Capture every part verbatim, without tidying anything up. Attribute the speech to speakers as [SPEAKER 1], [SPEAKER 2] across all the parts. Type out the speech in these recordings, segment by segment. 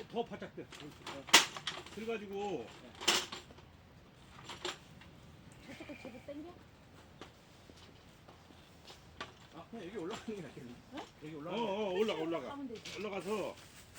[SPEAKER 1] 더 바짝 돼. 그래가지고
[SPEAKER 2] 저쪽 거 제대로 당겨?
[SPEAKER 3] 아 그냥 여기 올라가는 게 낫겠네.
[SPEAKER 2] 어?
[SPEAKER 3] 여기
[SPEAKER 1] 어,
[SPEAKER 3] 올라가.
[SPEAKER 1] 어 올라가 올라가
[SPEAKER 2] 가면 되지.
[SPEAKER 1] 올라가서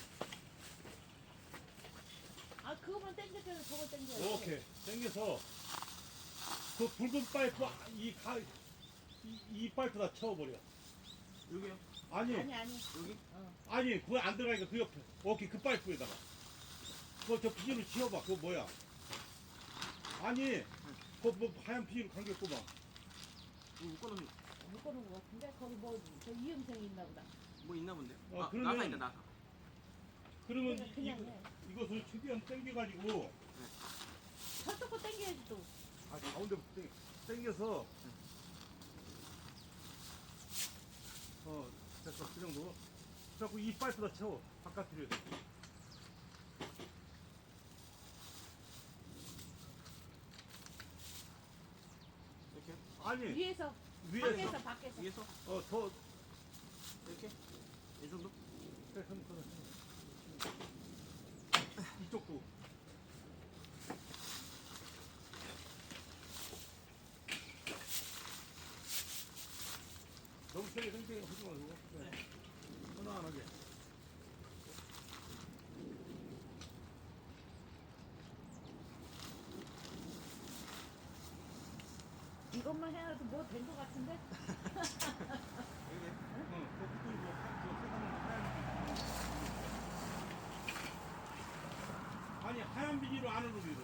[SPEAKER 2] 아 그거만 당겨서 저거 당겨.
[SPEAKER 1] 오케이 당겨서 그 붉은 파이프 이가이 이 파이프 다 채워버려.
[SPEAKER 3] 여기요.
[SPEAKER 1] 아니
[SPEAKER 2] 아니 아니.
[SPEAKER 3] 여기.
[SPEAKER 2] 어.
[SPEAKER 1] 아니 그거 안 들어가니까 그 옆에 오케이 그 파이프에다가 그거 저 비닐로 치워봐. 그거 뭐야? 아니 그거 뭐 하얀 비닐로 감겼구만.
[SPEAKER 3] 이거 묶어놓은
[SPEAKER 2] 묶어놓은 거 같은데 거기 뭐 저 이음생이 있나 보다.
[SPEAKER 3] 뭐 있나 본데.
[SPEAKER 1] 어,
[SPEAKER 3] 아
[SPEAKER 1] 그러면-
[SPEAKER 3] 나사 있다 나사.
[SPEAKER 1] 그러면
[SPEAKER 2] 그냥
[SPEAKER 1] 이,
[SPEAKER 2] 그냥
[SPEAKER 1] 이거,
[SPEAKER 2] 해.
[SPEAKER 1] 이것을 최대한 당겨가지고
[SPEAKER 2] 저쪽 거 당겨야지 또.
[SPEAKER 1] 아 가운데부터 당- 당겨서 어 됐어 그 정도. 그래갖고 이 파이프 다 채워 바깥으로 해서.
[SPEAKER 3] 이렇게.
[SPEAKER 1] 아니
[SPEAKER 2] 위에서
[SPEAKER 1] 위에서
[SPEAKER 2] 밖에서 밖에서.
[SPEAKER 3] 위에서
[SPEAKER 1] 어더
[SPEAKER 3] 이렇게. 이 정도.
[SPEAKER 1] 이쪽도 너무 세게 당기게 하지 말고 네. 편안하게.
[SPEAKER 2] 이것만 해놔도 뭐 된 거 같은데?
[SPEAKER 3] 여기.
[SPEAKER 1] 어, 그 뚜껑이 뭐 하- 저 세상에 하얀 아니 하얀 비닐로 안으로 밀어.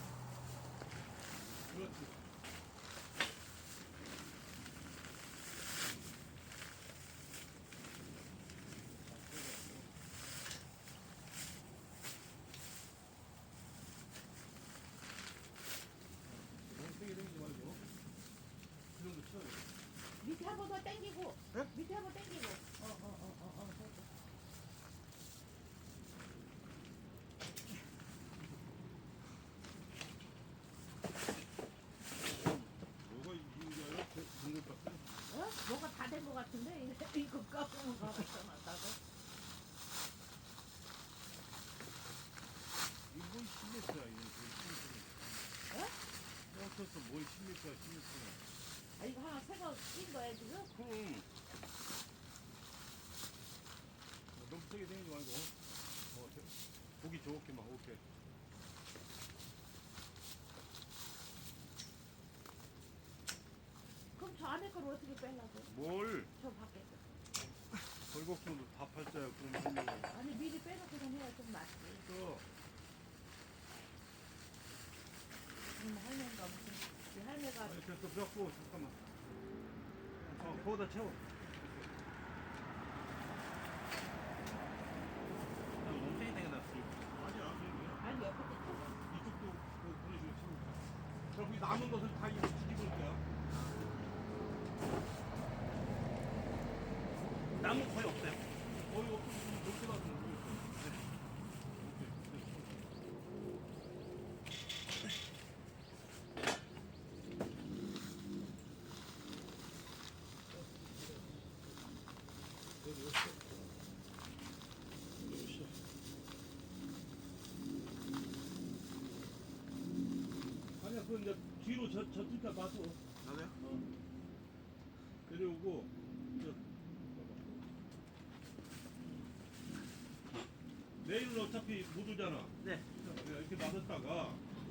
[SPEAKER 1] 그렇지. 너무 세게 당기지 말고 그 정도 쳐야 돼.
[SPEAKER 2] 밑에 한번 더 당기고.
[SPEAKER 3] 네?
[SPEAKER 2] 밑에 한번 당기고. 어 어 어 어 어.
[SPEAKER 1] 뭐가 이거야? 중국 같은?
[SPEAKER 2] 어? 뭐가 다 된 거 같은데? 이거 까먹은 거 같아놨다고.
[SPEAKER 1] 이건 십 미터야 이거 십 미터.
[SPEAKER 2] 어?
[SPEAKER 1] 어떻어 뭘 십 미터야 십 미터.
[SPEAKER 2] 아 이거 하나 새거 낀 거야 지금?
[SPEAKER 1] 그럼 너무 세게 당기지 말고 어, 저- 보기 좋게만 오케이.
[SPEAKER 2] 그럼 저 안에 걸 어떻게 빼려고?
[SPEAKER 1] 뭘
[SPEAKER 2] 저 밖에 거.
[SPEAKER 1] 벌곡선도 다 팔자야 그럼 하려고.
[SPEAKER 2] 아니 미리 빼놓고 좀 해야 좀 낫지.
[SPEAKER 1] 또
[SPEAKER 2] 음, 할머니가 무슨 이 할매가
[SPEAKER 1] 아니 됐어 그래갖고 잠깐만. 어 거기다 채워.
[SPEAKER 3] 너무 세게 당겨놨어.
[SPEAKER 1] 아니야 아니야.
[SPEAKER 2] 아니 옆에 거 펴고.
[SPEAKER 1] 이쪽도 그- 그런 식으로 채워. 그리고 이 남은 것을 다 이거 뒤집을 거야.
[SPEAKER 3] 나무 거의 없어요.
[SPEAKER 1] 거의 없고 이렇게 놔두면 모르겠어. 오케이 됐어. 아니야, 그건 이제 뒤로 저, 저 뒷가 놔둬.
[SPEAKER 3] 나도요?
[SPEAKER 1] 어. 내려오고, 저, 내일은 어차피 못 오잖아.
[SPEAKER 3] 네.
[SPEAKER 1] 그냥 이렇게 놔뒀다가,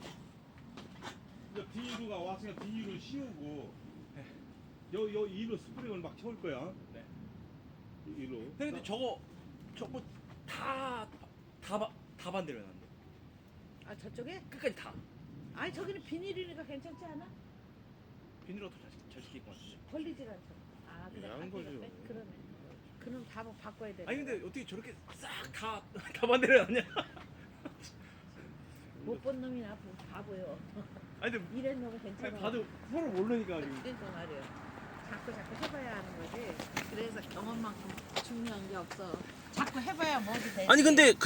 [SPEAKER 1] 이제 비닐루가 왔으니까 비닐을 씌우고, 여, 여, 이로 스프링을 막 채울 거야.
[SPEAKER 3] 네.
[SPEAKER 1] 이- 이로.
[SPEAKER 4] 근데 저거 저거 다다 다 반대로 해놨는데
[SPEAKER 2] 아 저쪽에?
[SPEAKER 4] 끝까지 다
[SPEAKER 2] 아니 저기는 비닐이니까 괜찮지 않아?
[SPEAKER 4] 비닐로 더 잘, 잘 시킬 것 같은데.
[SPEAKER 2] 걸리질 않잖아. 아 그래.
[SPEAKER 1] 예, 안
[SPEAKER 2] 밖에가
[SPEAKER 1] 걸려.
[SPEAKER 2] 빼? 그러네. 그럼 다 바꿔야 돼.
[SPEAKER 4] 아니 근데 어떻게 저렇게 싹 다 다 반대로 해놨냐?
[SPEAKER 2] 못본 놈이나 바보요.
[SPEAKER 4] 아니 근데
[SPEAKER 2] 이래 놓으면 괜찮아.
[SPEAKER 4] 아니, 봐도 서로 모르니까 지금.
[SPEAKER 2] 그러니까 말이야. 자꾸 자꾸 해봐야 하는 거지. 그래서 경험만큼 중요한 게 없어. 자꾸 해봐야 뭐지 되지.
[SPEAKER 4] 아니 근데